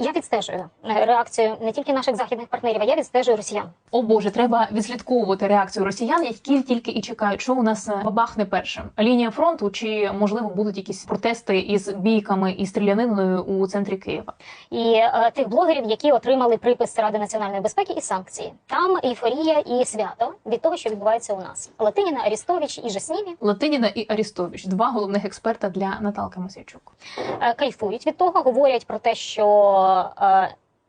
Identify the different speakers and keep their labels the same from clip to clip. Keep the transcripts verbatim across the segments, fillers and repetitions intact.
Speaker 1: Я відстежую реакцію не тільки наших західних партнерів, а я відстежую росіян.
Speaker 2: О Боже, треба відслідковувати реакцію росіян, які тільки і чекають, що у нас бабахне першим. Лінія фронту чи, можливо, будуть якісь протести із бійками і стріляниною у центрі Києва.
Speaker 1: І е, тих блогерів, які отримали припис Ради національної безпеки і санкції. Там ейфорія і свято від того, що відбувається у нас. Латиніна, Арістович і Жаснімі.
Speaker 2: Латиніна і Арістович – два головних експерта для Наталки Мосійчук.
Speaker 1: Е, кайфують від того, говорять про те, що е,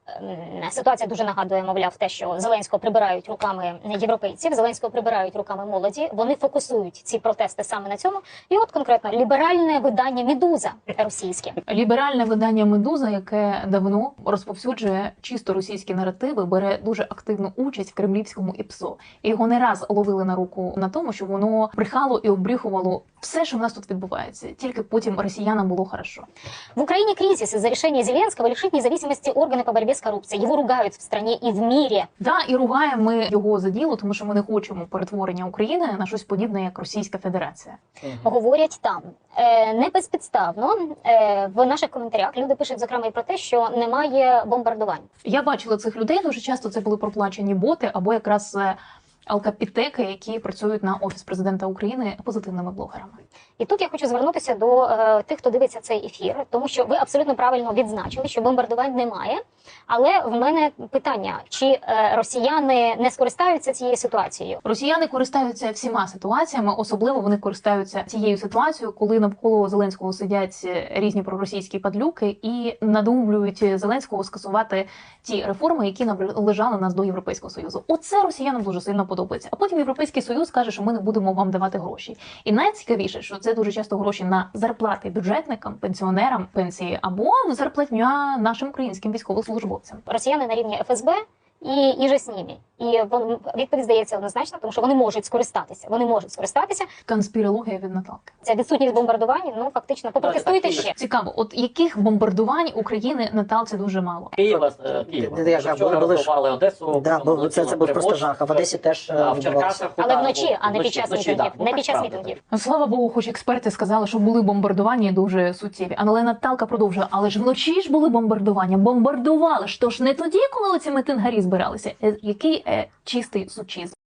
Speaker 1: ситуація дуже нагадує, мовляв, те, що Зеленського прибирають руками європейців, Зеленського прибирають руками молоді. Вони фокусують ці протести саме на цьому. І от конкретно ліберальне видання «Медуза» російське.
Speaker 2: Ліберальне видання «Медуза», яке давно розповсюджує чисто російські наративи, бере дуже активну участь в кремлівському ІПСО. І його не раз ловили на руку на тому, що воно брехало і обріхувало все, що в нас тут відбувається. Тільки потім росіянам було хорошо.
Speaker 1: В Украине кризис из-за решения Зеленского лишить независимости органы по борьбе с коррупцией. Его ругают в стране и в мире.
Speaker 2: Да, і ругаємо ми його за діло, тому що ми не хочемо перетворення України на щось подібне, як Російська Федерація.
Speaker 1: Угу. Говорять там. Е, не безпідставно е, в наших коментарях люди пишуть, зокрема, і про те, що немає бомбардувань.
Speaker 2: Я бачила цих людей, дуже часто це були проплачені боти або якраз алкапітеки, які працюють на Офіс Президента України позитивними блогерами.
Speaker 1: І тут я хочу звернутися до е, тих, хто дивиться цей ефір, тому що ви абсолютно правильно відзначили, що бомбардувань немає. Але в мене питання, чи е, росіяни не скористаються цією ситуацією?
Speaker 2: Росіяни користаються всіма ситуаціями, особливо вони користаються цією ситуацією, коли навколо Зеленського сидять різні проросійські падлюки і надумлюють Зеленського скасувати ті реформи, які наближали нас до Європейського Союзу. Оце росіянам дуже сильно подобається. А потім Європейський Союз каже, що ми не будемо вам давати гроші. І найцікавіше, що це дуже часто гроші на зарплати бюджетникам, пенсіонерам, пенсії або зарплатня нашим українським військовослужбовцям.
Speaker 1: Росіяни на рівні еф ес бе і, і же з ними. І вон, відповідь здається однозначно, тому що вони можуть скористатися. Вони можуть скористатися.
Speaker 2: Конспірологія від Наталки.
Speaker 1: Ця відсутність бомбардувань, ну фактично, попротестуйте ще.
Speaker 2: Цікаво, от яких бомбардувань України Наталці дуже мало?
Speaker 3: Києва, Києва. Вчора розбивали Одесу.
Speaker 4: Да, бо це, це був просто жах, а в Одесі теж
Speaker 3: а, в Черкасах.
Speaker 1: Але вночі, а не під час мітингів. Не під час мітингів.
Speaker 2: Слава Богу, хоч експерти сказали, що були бомбардування дуже суттєві. Але Наталка продовжує, але ж вночі ж були бомбардування. Бомбардували ж, то ж не тоді, коли ці митингарі збиралися. Який е, чистий сучізм.